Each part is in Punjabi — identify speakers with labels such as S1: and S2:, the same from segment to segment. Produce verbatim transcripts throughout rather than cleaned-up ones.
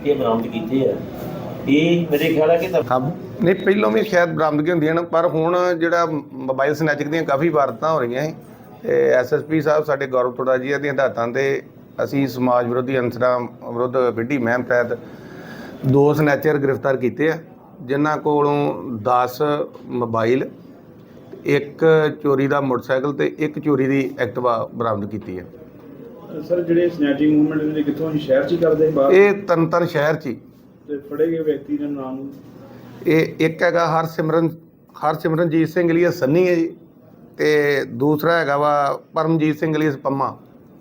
S1: ਇਹ ਬਰਾਮਦ ਕੀਤੇ ਆ। ਇਹ ਮੇਰੇ ਖਿਆਲ ਹੈ ਕਿ ਤਾਂ
S2: ਹਾਂ ਨਹੀਂ ਪਹਿਲੋਂ ਵੀ ਸ਼ਾਇਦ ਬਰਾਮਦਗੀ ਹੁੰਦੀਆਂ ਨੇ, ਪਰ ਹੁਣ ਜਿਹੜਾ ਮੋਬਾਈਲ ਸਨੈਚਿੰਗ ਦੀਆਂ ਕਾਫੀ ਵਾਰਦਾਤਾਂ ਹੋ ਰਹੀਆਂ ਸੀ ਤੇ ਐਸਐਸਪੀ ਸਾਹਿਬ ਸਾਡੇ ਗੌਰਵ ਤੋੜਾ ਜੀ ਦੀਆਂ ਹਦਾਇਤਾਂ ਤੇ ਅਸੀਂ ਸਮਾਜ ਵਿਰੋਧੀ ਅਨਸਰਾਂ ਵਿਰੁੱਧ ਵਿੱਢੀ ਮੁਹਿੰਮ ਤਹਿਤ ਦੋ ਸਨੈਚਰ ਗ੍ਰਿਫਤਾਰ ਕੀਤੇ ਆ, ਜਿਨ੍ਹਾਂ ਕੋਲੋਂ ਦਸ ਮੋਬਾਈਲ, ਇੱਕ ਚੋਰੀ ਦਾ ਮੋਟਰਸਾਈਕਲ ਤੇ ਇੱਕ ਚੋਰੀ ਦੀ ਐਕਟਿਵਾ ਬਰਾਮਦ ਕੀਤੀ ਹੈ।
S3: ਸਰ ਜਿਹੜੇ ਸਨੈਚਿੰਗ ਮੂਵਮੈਂਟ ਦੇ ਕਿੱਥੋਂ ਸ਼ਹਿਰ 'ਚ ਹੀ ਕਰਦੇ ਬਾਹਰ?
S2: ਇਹ ਤਰਨਤਾਰਨ ਸ਼ਹਿਰ 'ਚ ਹੀ।
S3: ਤੇ ਫੜੇ ਗਏ ਵਿਅਕਤੀ ਦਾ ਨਾਮ?
S2: ਇਹ ਇੱਕ ਹੈਗਾ ਹਰਸਿਮਰਨ ਹਰਸਿਮਰਨਜੀਤ ਸਿੰਘ ਏਲੀਅਸ ਸੰਨੀ ਹੈ ਜੀ, ਤੇ ਦੂਸਰਾ ਹੈਗਾ ਵਾ ਪਰਮਜੀਤ ਸਿੰਘ ਏਲੀਅਸ ਪੰਮਾ।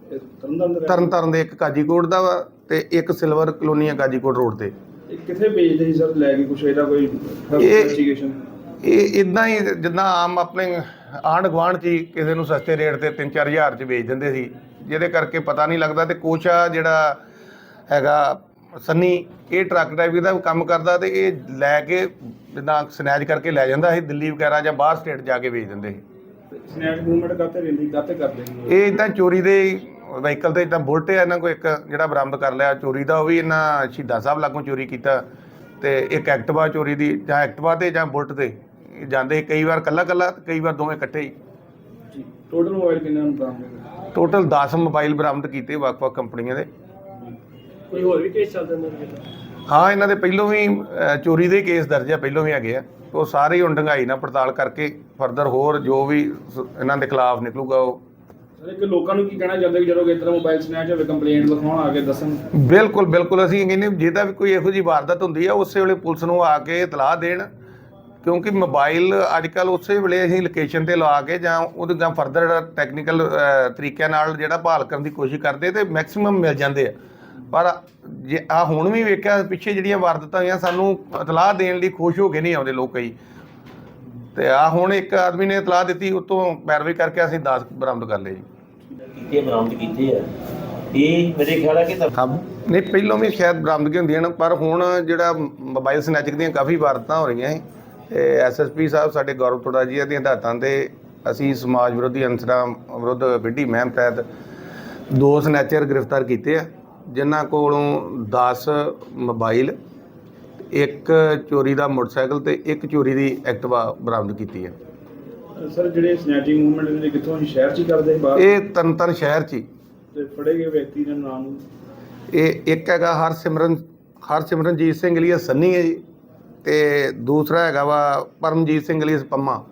S2: ਤਰਨਤਾਰਨ ਦੇ ਇੱਕ ਕਾਜੀਕੋਟ ਦਾ ਵਾ ਤੇ ਇੱਕ ਸਿਲਵਰ ਕਲੋਨੀ ਆ ਕਾਜੀਕੋਟ ਰੋਡ ਤੇ।
S3: ਇਹ ਕਿੱਥੇ ਵੇਚਦੇ ਸੀ ਸਰ ਲੈ ਕੇ ਕੁਛ ਇਹਦਾ ਕੋਈ ਇਨਵੈਸਟੀਗੇਸ਼ਨ?
S2: ਇਹ ਇਦਾਂ ਹੀ ਜਿੱਦਾਂ ਆਮ ਆਪਣੇ ਆਂਢ ਗੁਆਂਢ 'ਚ ਹੀ ਕਿਸੇ ਨੂੰ ਸਸਤੇ ਰੇਟ ਤੇ ਤਿੰਨ ਚਾਰ ਹਜ਼ਾਰ 'ਚ ਵੇਚ ਦਿੰਦੇ ਸੀ, ਜਿਹਦੇ ਕਰਕੇ ਪਤਾ ਨਹੀਂ ਲੱਗਦਾ। ਤੇ ਕੁਛ ਆ ਜਿਹੜਾ ਹੈਗਾ ਸੰਨੀ, ਇਹ ਟਰੱਕ ਡਰਾਈਵਰ ਦਾ ਕੰਮ ਕਰਦਾ ਤੇ ਇਹ ਲੈ ਕੇ ਜਿੱਦਾਂ ਸਨੈਚ ਕਰਕੇ ਲੈ ਜਾਂਦਾ ਸੀ ਦਿੱਲੀ ਵਗੈਰਾ ਜਾਂ ਬਾਹਰ ਸਟੇਟ ਜਾ ਕੇ ਵੇਚ ਦਿੰਦੇ ਸੀ।
S3: ਸਨੈਚ ਮੂਵਮੈਂਟ ਕਾਤੇ ਰਹਿੰਦੀ ਕਾਤੇ ਕਰਦੇ ਸੀ
S2: ਇਹ ਇੱਦਾਂ ਚੋਰੀ ਦੇ ਵਹੀਕਲ ਤੇ ਇੱਦਾਂ ਬੁਲਟ ਹੈ ਇਹਨਾਂ ਕੋਲ ਇੱਕ ਜਿਹੜਾ ਬਰਾਮਦ ਕਰ ਲਿਆ ਚੋਰੀ ਦਾ, ਉਹ ਵੀ ਇਹਨਾਂ ਸ਼ਹੀਦਾਂ ਸਾਹਿਬ ਲਾਗੋਂ ਚੋਰੀ ਕੀਤਾ। ਤੇ ਇੱਕ ਐਕਟਿਵਾ ਚੋਰੀ ਦੀ, ਜਾਂ ਐਕਟਿਵਾ ਤੇ ਜਾਂ ਬੁਲਟ ਤੇ ਜਾਂਦੇ, ਕਈ ਵਾਰ ਕੱਲਾ ਕੱਲਾ ਕਈ ਵਾਰ ਦੋਵੇਂ ਇਕੱਠੇ ਹੀ।
S3: ਜੀ ਟੋਟਲ ਮੋਬਾਈਲ ਕਿੰਨੇ ਬਰਾਮਦ?
S2: ਟੋਟਲ ਦਸ ਮੋਬਾਈਲ ਬਰਾਮਦ ਕੀਤੇ ਵੱਖ-ਵੱਖ ਕੰਪਨੀਆਂ ਦੇ।
S3: ਕੋਈ ਹੋਰ ਵੀ ਕੇਸ ਚੱਲਦੇ ਨੇ?
S2: ਹਾਂ ਇਹਨਾਂ ਦੇ ਪਹਿਲੋਂ ਵੀ ਚੋਰੀ ਦੇ ਕੇਸ ਦਰਜ ਆ, ਪਹਿਲੋਂ ਵੀ ਹੈਗੇ ਆ। ਉਹ ਸਾਰੇ ਹੀ ਹੁਣ ਡੂੰਘਾਈ ਨਾਲ ਪੜਤਾਲ ਕਰਕੇ ਫਰਦਰ ਹੋਰ ਜੋ ਵੀ ਇਹਨਾਂ ਦੇ ਖਿਲਾਫ ਨਿਕਲੂਗਾ ਉਹ।
S3: ਸਰ ਇੱਕ ਲੋਕਾਂ ਨੂੰ ਕੀ ਕਹਿਣਾ ਚਾਹੁੰਦੇ ਕਿ ਜਦੋਂ ਇਸ ਤਰ੍ਹਾਂ ਮੋਬਾਈਲ ਸਨੈਚ ਹੋਵੇ ਕੰਪਲੇਂਟ ਲਿਖਾਉਣ ਆ ਕੇ ਦੱਸਣ?
S2: ਬਿਲਕੁਲ ਬਿਲਕੁਲ ਅਸੀਂ ਕਹਿੰਦੇ ਜਿਹਦਾ ਵੀ ਕੋਈ ਇਹੋ ਜਿਹੀ ਵਾਰਦਾਤ ਹੁੰਦੀ ਆ ਉਸੇ ਵੇਲੇ ਪੁਲਿਸ ਨੂੰ ਆ ਕੇ ਇਤਲਾਹ ਦੇਣ, ਕਿਉਂਕਿ ਮੋਬਾਈਲ ਅੱਜ ਕੱਲ੍ਹ ਉਸੇ ਵੇਲੇ ਅਸੀਂ ਲੋਕੇਸ਼ਨ 'ਤੇ ਲਾ ਕੇ ਜਾਂ ਉਹਦੇ ਜਾਂ ਫਰਦਰ ਟੈਕਨੀਕਲ ਤਰੀਕਿਆਂ ਨਾਲ ਜਿਹੜਾ ਭਾਲ ਕਰਨ ਦੀ ਕੋਸ਼ਿਸ਼ ਕਰਦੇ ਤੇ ਮੈਕਸਿਮਮ ਮਿਲ ਜਾਂਦੇ ਆ। ਪਰ ਜੇ ਆ ਹੁਣ ਵੀ ਵੇਖਿਆ ਪਿੱਛੇ ਜਿਹੜੀਆਂ ਵਾਰਦਾਤਾਂ ਹੋਈਆਂ ਸਾਨੂੰ ਇਤਲਾਹ ਦੇਣ ਲਈ ਖੁਸ਼ ਹੋ ਕੇ ਨਹੀਂ ਆਉਂਦੇ ਲੋਕ ਕਈ, ਤੇ ਆ ਹੁਣ ਇੱਕ ਆਦਮੀ ਨੇ ਇਤਲਾਹ ਦਿੱਤੀ, ਉਤੋਂ ਪੈਰਵਾਈ ਕਰਕੇ ਅਸੀਂ ਦਸ ਬਰਾਮਦ ਕਰ ਲਏ ਜੀ।
S1: ਇਹ ਬਰਾਮਦ ਕੀਤੇ ਆ। ਇਹ ਮੇਰੇ ਖਿਆਲ ਹੈ ਕਿ ਤਾਂ
S2: ਹਾਂ ਨਹੀਂ ਪਹਿਲੋਂ ਵੀ ਸ਼ਾਇਦ ਬਰਾਮਦਗੀ ਹੁੰਦੀਆਂ ਨੇ, ਪਰ ਹੁਣ ਜਿਹੜਾ ਮੋਬਾਈਲ ਸਨੈਚਿੰਗ ਦੀਆਂ ਕਾਫੀ ਵਾਰਦਾਤਾਂ ਹੋ ਰਹੀਆਂ ਸੀ ਤੇ ਐਸਐਸਪੀ ਸਾਹਿਬ ਸਾਡੇ ਗੌਰਵ ਤੋੜਾ ਜੀ ਦੀਆਂ ਹਦਾਇਤਾਂ ਤੇ ਅਸੀਂ ਸਮਾਜ ਵਿਰੋਧੀ ਅਨਸਰਾਂ ਵਿਰੁੱਧ ਵਿੱਢੀ ਮੁਹਿੰਮ ਤਹਿਤ ਦੋ ਸਨੈਚਰ ਗ੍ਰਿਫਤਾਰ ਕੀਤੇ ਆ, ਜਿਨ੍ਹਾਂ ਕੋਲੋਂ ਦਸ ਮੋਬਾਈਲ, ਇੱਕ ਚੋਰੀ ਦਾ ਮੋਟਰਸਾਈਕਲ ਤੇ ਇੱਕ ਚੋਰੀ ਦੀ ਐਕਟਿਵਾ ਬਰਾਮਦ ਕੀਤੀ ਹੈ।
S3: ਸਰ ਜਿਹੜੇ ਸਨੈਚਿੰਗ ਮੂਵਮੈਂਟ ਦੇ ਕਿੱਥੋਂ ਸ਼ਹਿਰ 'ਚ ਹੀ ਕਰਦੇ ਬਾਹਰ?
S2: ਇਹ ਤਰਨਤਾਰਨ ਸ਼ਹਿਰ 'ਚ ਹੀ।
S3: ਤੇ ਫੜੇ ਗਏ ਵਿਅਕਤੀ ਦਾ ਨਾਮ?
S2: ਇਹ ਇੱਕ ਹੈਗਾ ਹਰਸਿਮਰਨ ਹਰਸਿਮਰਨਜੀਤ ਸਿੰਘ ਏਲੀਅਸ ਸੰਨੀ ਹੈ ਜੀ, ਤੇ ਦੂਸਰਾ ਹੈਗਾ ਵਾ ਪਰਮਜੀਤ ਸਿੰਘ ਏਲੀਅਸ ਪੰਮਾ।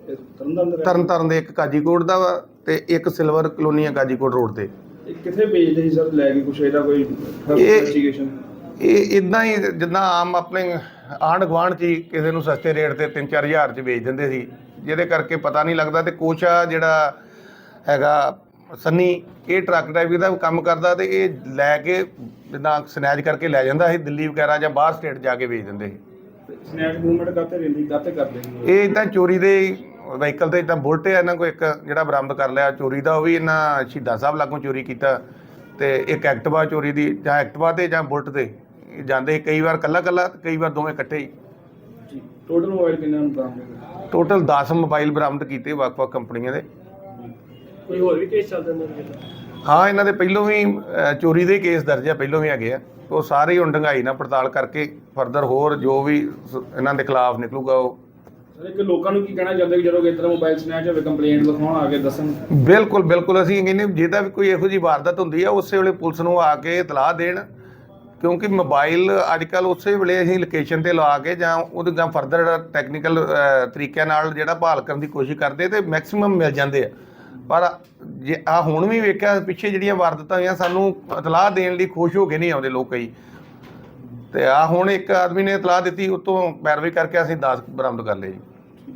S2: ਤਰਨਤਾਰਨ ਦੇ ਇੱਕ ਕਾਜੀਕੋਟ ਦਾ ਵਾ ਤੇ ਇੱਕ ਸਿਲਵਰ ਕਲੋਨੀ ਆ ਕਾਜੀਕੋਟ ਰੋਡ ਤੇ।
S3: ਇਹ ਕਿੱਥੇ ਵੇਚਦੇ ਸੀ ਸਰ ਲੈ ਕੇ ਕੁਛ ਇਹਦਾ ਕੋਈ ਇਨਵੈਸਟੀਗੇਸ਼ਨ?
S2: ਇਹ ਇਦਾਂ ਹੀ ਜਿੱਦਾਂ ਆਮ ਆਪਣੇ ਆਂਢ ਗੁਆਂਢ 'ਚ ਹੀ ਕਿਸੇ ਨੂੰ ਸਸਤੇ ਰੇਟ ਤੇ ਤਿੰਨ ਚਾਰ ਹਜ਼ਾਰ 'ਚ ਵੇਚ ਦਿੰਦੇ ਸੀ, ਜਿਹਦੇ ਕਰਕੇ ਪਤਾ ਨਹੀਂ ਲੱਗਦਾ। ਤੇ ਕੁਛ ਆ ਜਿਹੜਾ ਹੈਗਾ ਸੰਨੀ, ਇਹ ਟਰੱਕ ਡਰਾਈਵਰ ਦਾ ਕੰਮ ਕਰਦਾ ਤੇ ਇਹ ਲੈ ਕੇ ਜਿੱਦਾਂ ਸਨੈਚ ਕਰਕੇ ਲੈ ਜਾਂਦਾ ਸੀ ਦਿੱਲੀ ਵਗੈਰਾ ਜਾਂ ਬਾਹਰ ਸਟੇਟ ਜਾ ਕੇ ਵੇਚ ਦਿੰਦੇ ਸੀ।
S3: ਸਨੈਚ ਮੂਵਮੈਂਟ ਕਾਤੇ ਰਹਿੰਦੀ ਕਾਤੇ ਕਰਦੇ ਸੀ
S2: ਇਹ ਇੱਦਾਂ ਚੋਰੀ ਦੇ ਵਹੀਕਲ ਤੇ ਇੱਦਾਂ ਬੁਲਟ ਹੈ ਇਹਨਾਂ ਕੋਲ ਇੱਕ ਜਿਹੜਾ ਬਰਾਮਦ ਕਰ ਲਿਆ ਚੋਰੀ ਦਾ, ਉਹ ਵੀ ਇਹਨਾਂ ਸ਼ਹੀਦਾਂ ਸਾਹਿਬ ਲਾਗੋਂ ਚੋਰੀ ਕੀਤਾ। ਤੇ ਇੱਕ ਐਕਟਿਵਾ ਚੋਰੀ ਦੀ, ਜਾਂ ਐਕਟਿਵਾ ਤੇ ਜਾਂ ਬੁਲਟ ਤੇ ਜਾਂਦੇ, ਕਈ ਵਾਰ ਕੱਲਾ ਕੱਲਾ ਕਈ ਵਾਰ ਦੋਵੇਂ ਇਕੱਠੇ ਹੀ।
S3: ਜੀ ਟੋਟਲ ਮੋਬਾਈਲ ਕਿੰਨੇ ਬਰਾਮਦ?
S2: ਟੋਟਲ ਦਸ ਮੋਬਾਈਲ ਬਰਾਮਦ ਕੀਤੇ ਵੱਖ-ਵੱਖ ਕੰਪਨੀਆਂ ਦੇ।
S3: ਕੋਈ ਹੋਰ ਵੀ ਕੇਸ ਚੱਲਦੇ ਨੇ?
S2: ਹਾਂ ਇਹਨਾਂ ਦੇ ਪਹਿਲੋਂ ਵੀ ਚੋਰੀ ਦੇ ਕੇਸ ਦਰਜ ਆ, ਪਹਿਲੋਂ ਵੀ ਹੈਗੇ ਆ। ਉਹ ਸਾਰੇ ਹੀ ਹੁਣ ਡੂੰਘਾਈ ਨਾਲ ਪੜਤਾਲ ਕਰਕੇ ਫਰਦਰ ਹੋਰ ਜੋ ਵੀ ਇਹਨਾਂ ਦੇ ਖਿਲਾਫ ਨਿਕਲੂਗਾ ਉਹ।
S3: ਸਰ ਇੱਕ ਲੋਕਾਂ ਨੂੰ ਕੀ ਕਹਿਣਾ ਚਾਹੁੰਦੇ ਕਿ ਜਦੋਂ ਇਸ ਤਰ੍ਹਾਂ ਮੋਬਾਈਲ ਸਨੈਚ ਹੋਵੇ ਕੰਪਲੇਂਟ ਲਿਖਾਉਣ ਆ ਕੇ ਦੱਸਣ?
S2: ਬਿਲਕੁਲ ਬਿਲਕੁਲ ਅਸੀਂ ਕਹਿੰਦੇ ਜਿਹਦਾ ਵੀ ਕੋਈ ਇਹੋ ਜਿਹੀ ਵਾਰਦਾਤ ਹੁੰਦੀ ਆ ਉਸੇ ਵੇਲੇ ਪੁਲਿਸ ਨੂੰ ਆ ਕੇ ਇਤਲਾਹ ਦੇਣ, ਕਿਉਂਕਿ ਮੋਬਾਈਲ ਅੱਜ ਕੱਲ੍ਹ ਉਸੇ ਵੇਲੇ ਅਸੀਂ ਲੋਕੇਸ਼ਨ 'ਤੇ ਲਾ ਕੇ ਜਾਂ ਉਹਦੇ ਜਾਂ ਫਰਦਰ ਟੈਕਨੀਕਲ ਤਰੀਕਿਆਂ ਨਾਲ ਜਿਹੜਾ ਭਾਲ ਕਰਨ ਦੀ ਕੋਸ਼ਿਸ਼ ਕਰਦੇ ਤੇ ਮੈਕਸਿਮਮ ਮਿਲ ਜਾਂਦੇ ਆ। ਪਰ ਜੇ ਆ ਹੁਣ ਵੀ ਵੇਖਿਆ ਪਿੱਛੇ ਜਿਹੜੀਆਂ ਵਾਰਦਾਤਾਂ ਹੋਈਆਂ ਸਾਨੂੰ ਇਤਲਾਹ ਦੇਣ ਲਈ ਖੁਸ਼ ਹੋ ਕੇ ਨਹੀਂ ਆਉਂਦੇ ਲੋਕ ਕਈ, ਤੇ ਆ ਹੁਣ ਇੱਕ ਆਦਮੀ ਨੇ ਇਤਲਾਹ ਦਿੱਤੀ, ਉਤੋਂ ਪੈਰਵਾਈ ਕਰਕੇ ਅਸੀਂ ਦਸ ਬਰਾਮਦ ਕਰ ਲਏ ਜੀ।